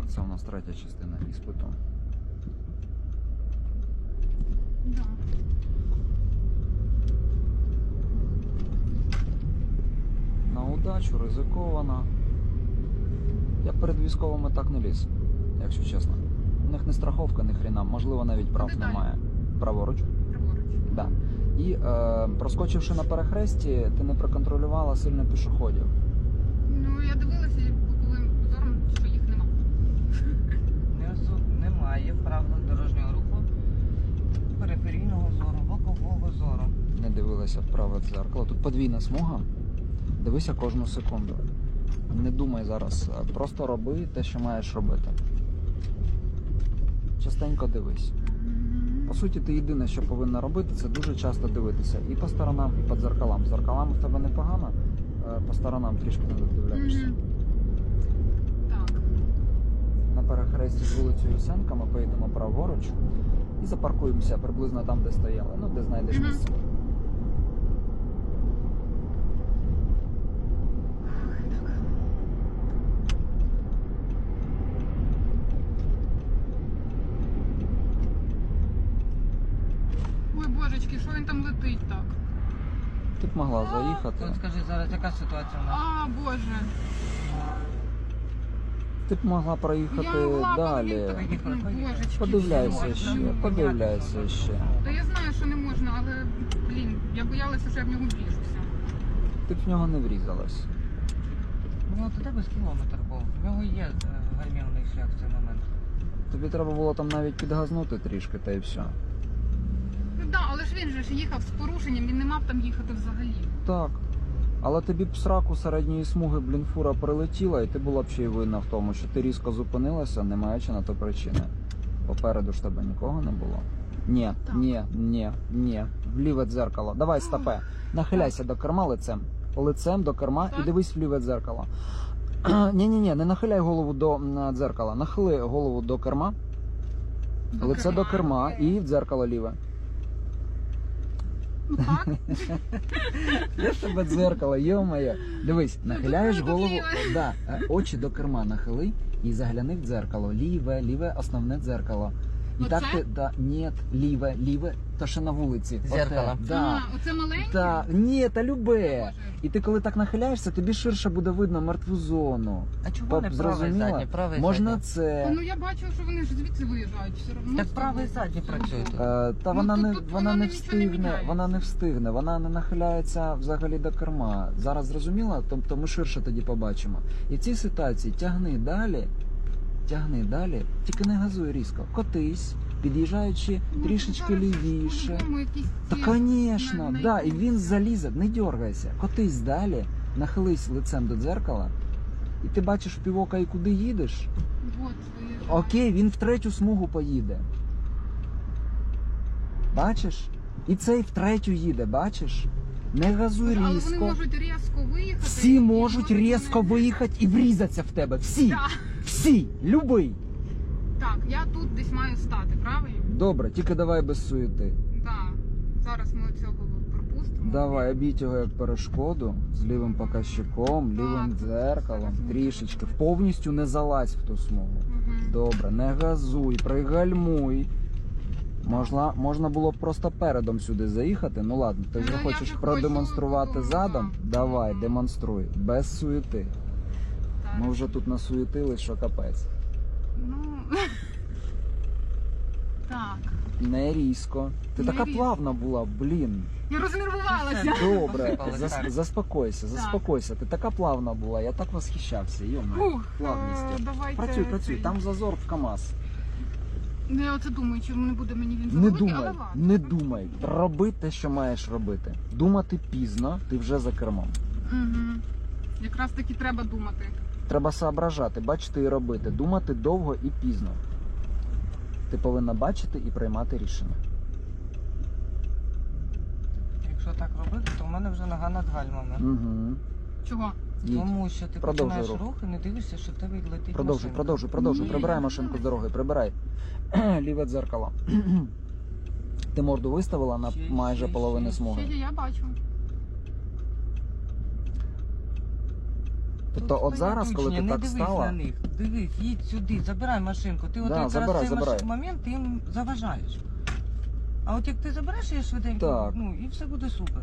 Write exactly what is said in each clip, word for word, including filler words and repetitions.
Це у нас третя частина іспиту. Да. На удачу, ризиковано. Я перед військовими так не ліз, якщо чесно. У них не страховка, ні хрена, можливо, навіть прав Куди далі? немає. Праворуч? Праворуч. Да. І е, проскочивши на перехресті, ти не проконтролювала сильно пішоходів. Ну, я дивилася боковим зором, що їх нема. Не осо- Немає в правилах дорожнього руху периферійного зору, бокового зору. Не дивилася в праве дзеркало. Тут подвійна смуга. Дивися кожну секунду. Не думай зараз. Просто роби те, що маєш робити. Частенько дивись. По суті, ти єдине, що повинна робити, це дуже часто дивитися. І по сторонам, і по дзеркалам. З дзеркалами в тебе непогано, по сторонам трішки не додивляєшся. Мгм. Так. На перехресті з вулицею Ясенка ми поїдемо праворуч і запаркуємося приблизно там, де стояли. Ну, де знайдеш Мгм. місце. Ой, божечки, що він там летить так? Ти б могла заїхати. От скажи, зараз яка ситуація у нас? А, боже. Ти б могла проїхати Я могла далі. поїхати. Ну, божечки. Подивляйся все. ще, Ну, подивляйся ще. Та я знаю, що не можна, але, блін, я боялася, що я в нього вріжуся. Ти б в нього не врізалась. У нього туди без кілометр був. В нього є е, гальмівний шлях в цей момент. Тобі треба було там навіть підгазнути трішки, та й все. Ну так, да, але ж він же ж їхав з порушенням, він не мав там їхати взагалі. Так. Але тобі б сраку середньої смуги, блін, фура прилетіла, і ти була б ще й винна в тому, що ти різко зупинилася, не маючи на то причини. Попереду ж тебе нікого не було. Ні, Так. ні, ні, ні. В ліве дзеркало. Давай, стопе. Нахиляйся до керма лицем. Лицем до керма Так. і дивись в ліве дзеркало. Ні-ні-ні, не нахиляй голову до м, дзеркала. Нахили голову до керма, До лице керма. до керма і в дзеркало ліве. Ну так. Де ж тебе дзеркало, йо-моє. Дивись, нахиляєш дуже голову, ліве. да, е, очі до керма нахили і загляни в дзеркало. Ліве, ліве, основне дзеркало. І Оце? так ти, да, ні, ліве, ліве, то що на вулиці. Дзеркало. Оте, да. А, оце маленьке? Та, ні, та любе. Боже. І ти коли так нахиляєшся, тобі ширше буде видно мертву зону. А чого Пап, не правий зрозуміла? задній? Правий Можна задній. це. Ну я бачу, що вони ж звідси виїжджають все одно. Так правий задній працює тут. Е, та Ну, вона тут- не тут вона вона не нічого не встигне, міняється. вона не встигне, вона не нахиляється взагалі до керма. Зараз зрозуміла, тобто ми ширше тоді побачимо. І в цій ситуації тягни далі, тягни далі, тільки не газуй різко. Котись, під'їжджаючи Ну, трішечки зараз лівіше. по-любому якісь Та, ці- звісно, на- на да, і якусь- він залізе, не дергайся, котись далі, нахились лицем до дзеркала, і ти бачиш в півока і куди їдеш. Вот, виїжджають. Окей, він в третю смугу поїде. Бачиш? І цей в третю їде, бачиш? Не газуй Але вони різко. можуть різко виїхати. Всі і можуть різко вони- виїхати і врізатися в тебе. Всі! Да. Всі! Любий! Так, я тут десь маю стати, правильно? Добре, тільки давай без суєти. Так. Зараз ми цього пропустимо. Давай, обійдь його як перешкоду з лівим показчиком, лівим Так, дзеркалом, зараз ми трішечки. це Повністю не залазь в ту смугу. Мгм. Добре, не газуй, пригальмуй. Можна, можна було б просто передом сюди заїхати. Ну ладно, ти вже Ну, я хочеш вже продемонструвати хочу, задом? да. Давай, демонструй. Без суєти. Так. Ми вже тут насуєтились, що капець. Ну... Так. Не різко. Ти Не така різко. плавна була, блін. Я рознервувалася. Добре, Посипалась, зас, так. заспокойся, заспокойся. Ти така плавна була, я так восхищався. Йома, Фух, плавністю. е, давайте Працюй, працюй, цей. там зазор в КамАЗ. Ну, я оце думаю, чи не буде мені він Не завеликий, думай, але ладно. не думай. Роби те, що маєш робити. Думати пізно, ти вже за кермом. Угу. Якраз таки треба думати. Треба соображати, бачити і робити. Думати довго і пізно. Ти повинна бачити і приймати рішення. Якщо так робити, то в мене вже нога над гальмами. Угу. Чого? Їдь. Тому що ти Продовжуй починаєш рух. рух і не дивишся, що в тебе летить Продовжуй, машинка. продовжуй, продовжуй. Ні, Прибирай я машинку з не дороги, прибирай. Ліве дзеркало. Ти морду виставила на Ще, майже ще, половину ще, смуги. Ще я бачу. Тобто от зараз, коли ти не так дивись стала- на них. Дивись, їдь сюди, забирай машинку. Ти от Да, якраз забирай, цей забирай. маш- момент ти їм заважаєш. А от як ти забереш її швиденько, Так. ну і все буде супер.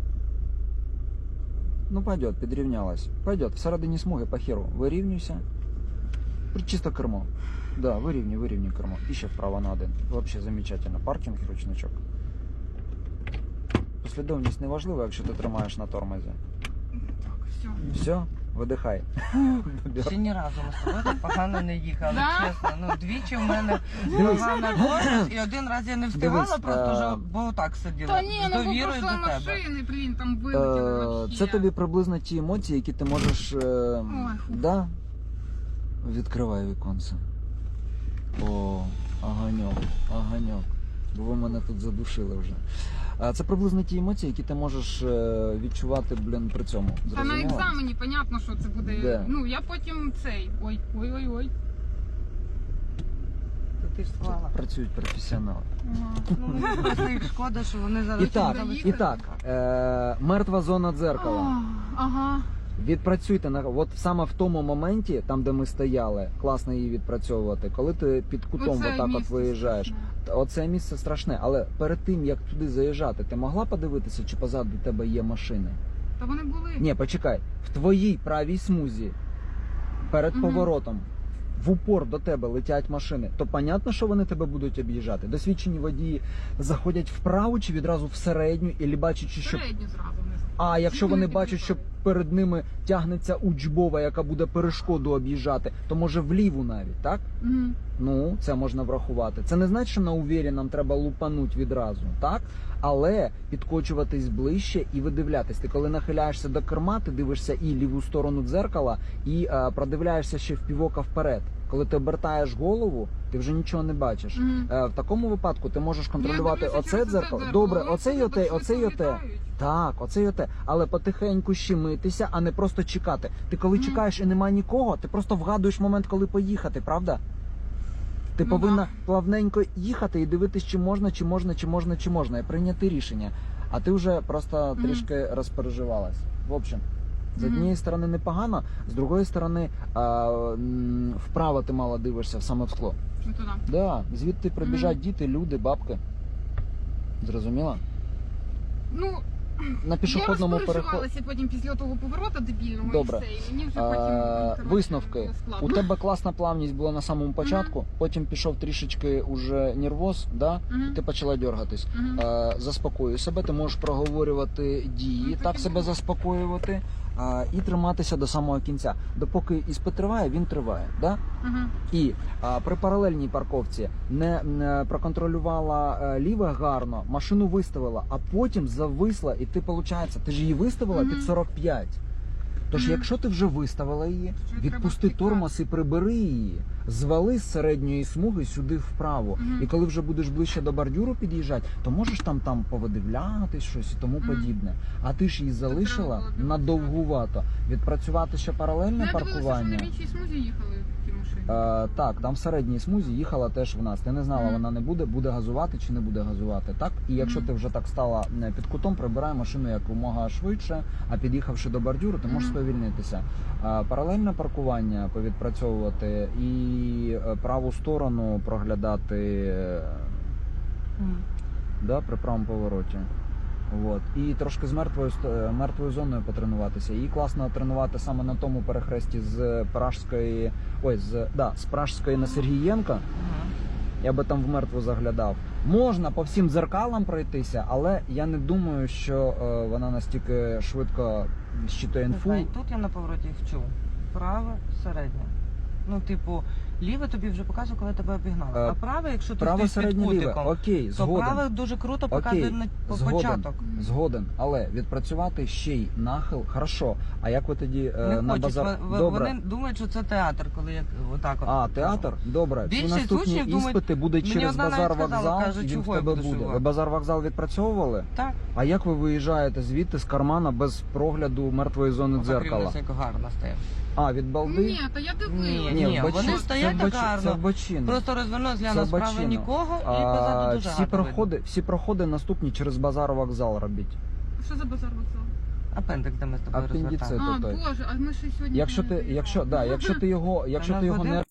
Ну пойдет, підрівнялась. Пойдет, всередині смуги по херу. Вирівнюйся. Чисто кермо. Да, вирівнюй, вирівнюй кермо. І ще вправо на один. Вообще замечательно. Паркінг і ручничок. Послідовність не важлива, якщо ти тримаєш на тормозі. Так, все. Все, видихай. Ще ні разу ми з тобою так погано не їхали, Да? чесно. Ну, двічі в мене Дивись. погана тормоз, і один раз я не встигала, Дивись, просто е, вже, бо так сиділа. Та ні, з ну бо довірою пройшли до тебе. машини, блін, там вилетіли Е, вообще. Це тобі приблизно ті емоції, які ти можеш. е, Ой, фу. Да? Відкривай віконце. О, аганьок, аганьок. Бо ви мене тут задушили вже. А це приблизно ті емоції, які ти можеш е, відчувати, блін, при цьому. Та на Зрозуміла? екзамені, понятно, що це буде. Де? Ну, я потім цей. Ой, ой, ой, ой. То ти ж склала. Працюють професіонали. Ага. Ну, мені просто їх шкода, що вони зараз... І так, заїхали. і так, е, мертва зона дзеркала. А, Ага. Відпрацюйте на от саме в тому моменті, там де ми стояли, класно її відпрацьовувати. Коли ти під кутом Оце отак от місце виїжджаєш. страшне. Оце місце страшне, але перед тим як туди заїжджати, ти могла подивитися, чи позаду тебе є машини? Та вони були. Ні, почекай, в твоїй правій смузі перед Мгм. поворотом в упор до тебе летять машини, то понятно, що вони тебе будуть об'їжджати. Досвідчені водії заходять вправо чи відразу в середню, і бачачи, що Середню зразу вниз. а якщо вони Вони бачать, що під'їхали. перед ними тягнеться учбова, яка буде перешкоду об'їжджати, то може вліву навіть, так? Мгм. Ну, це можна врахувати. Це не значить, що на увірі нам треба лупануть відразу, так? Але підкочуватись ближче і видивлятись. Ти коли нахиляєшся до керма, ти дивишся і ліву сторону дзеркала, і е, продивляєшся ще в півока вперед. Коли ти обертаєш голову, ти вже нічого не бачиш. Мгм. Е, в такому випадку ти можеш Ну, я контролювати дивлюся оце через дзеркало. це Добре, Вони оце і собі оте, так оце і швидко оте. літають. Так, оце й оте. Але потихеньку щемитися, а не просто чекати. Ти коли Мгм. чекаєш і нема нікого, ти просто вгадуєш момент, коли поїхати, правда? Ти Ну, повинна да. плавненько їхати і дивитись, чи можна, чи можна, чи можна, чи можна, і прийняти рішення. А ти вже просто Мгм. трішки розпереживалась. В общем, з Мгм. однієї сторони непогано, з другої сторони а, м, вправо ти мало дивишся, саме в скло. Ну, туди. Да, звідти прибіжать Мгм. діти, люди, бабки. Зрозуміла? Ну, На пішохідному я переході. розпереживалася потім після того повороту дебільного Добре. і все. І мені вже Е, потім коротше, Висновки. було складно. У тебе класна плавність була на самому початку, потім пішов трішечки уже нервоз, да? Мгм. Ти почала дергатись. Мгм. Е, Заспокоюй себе, ти можеш проговорювати дії, Ну, так так і себе було. заспокоювати а, і триматися до самого кінця. Допоки іспит триває, він триває. Да? Мгм. І а, при паралельній парковці не, не проконтролювала е, ліве гарно, машину виставила, а потім зависла, і ти, виходить, ти ж її виставила Мгм. під сорок п'ять. Тож, Мгм. якщо ти вже виставила її, Що відпусти треба тормоз і прибери її, звали з середньої смуги сюди вправо. Мгм. І коли вже будеш ближче до бордюру під'їжджати, то можеш там там повидивлятись щось і тому Мгм. подібне. А ти ж її залишила треба було надовгувато. Відпрацювати ще Ну, паралельне я дивилася, що паркування. на іншій смузі їхали ті машини. Е, так, там в середній смузі їхала теж в нас. Ти не знала, Мгм. вона не буде, буде газувати чи не буде газувати. Так? І якщо Мгм. ти вже так стала е, під кутом, прибирай машину якомога швидше, а під'їхавши до бордюру, ти можеш Мгм. сповільнитися. Е, паралельне паркування повідпрацьовувати і е, праву сторону проглядати е, Мгм. да, при правому повороті. От. І трошки з мертвою ст- е, мертвою зоною потренуватися. Її класно тренувати саме на тому перехресті з Пражської, ой, з, да, з Пражської на Сергієнка. Мгм. Я би там в мертву заглядав. Можна по всім дзеркалам пройтися, але я не думаю, що е, вона настільки швидко щитує Не інфу. знаю, тут я на повороті вчу. Праве, середнє. Ну, типу, ліве тобі вже показує, коли тебе обігнали. Е, А праве, якщо ти Право стоїш під середнє ліве. кутиком, Окей, то згоден. праве дуже круто показує Окей, на по- згоден. початок. Згоден, але відпрацювати ще й нахил, хорошо. А як ви тоді е, Не на хочуть. базар? В- в- Добре. Вони думають, що це театр, коли я отак от. А, театр? Добре. Всі Більшість наступні учнів думають- іспити будуть Мені через одна навіть базар сказала, вокзал, каже, і він в чого я тебе буду буде. шивати? Ви базар вокзал відпрацьовували? Так. А як ви виїжджаєте звідти з кармана без прогляду мертвої зони Отак дзеркала? рівнесенько гарно стоїть. А, від балди? Ні, та я дивилася. Ні, ні, в бочин- вони це стоять в так бочин- гарно. Це в бочину. Просто розвернув, Це гляну справа бачино. нікого і А, позаду дуже всі гарно проходи, всі проходи наступні через базар вокзал робіть. Що за базар вокзал? Апендикс, де ми з тобою Апендицит. розвертали. А, той. боже, а ми ще сьогодні... Якщо не ти, заїхали. якщо, да, якщо ти його, якщо нас ти його годин- не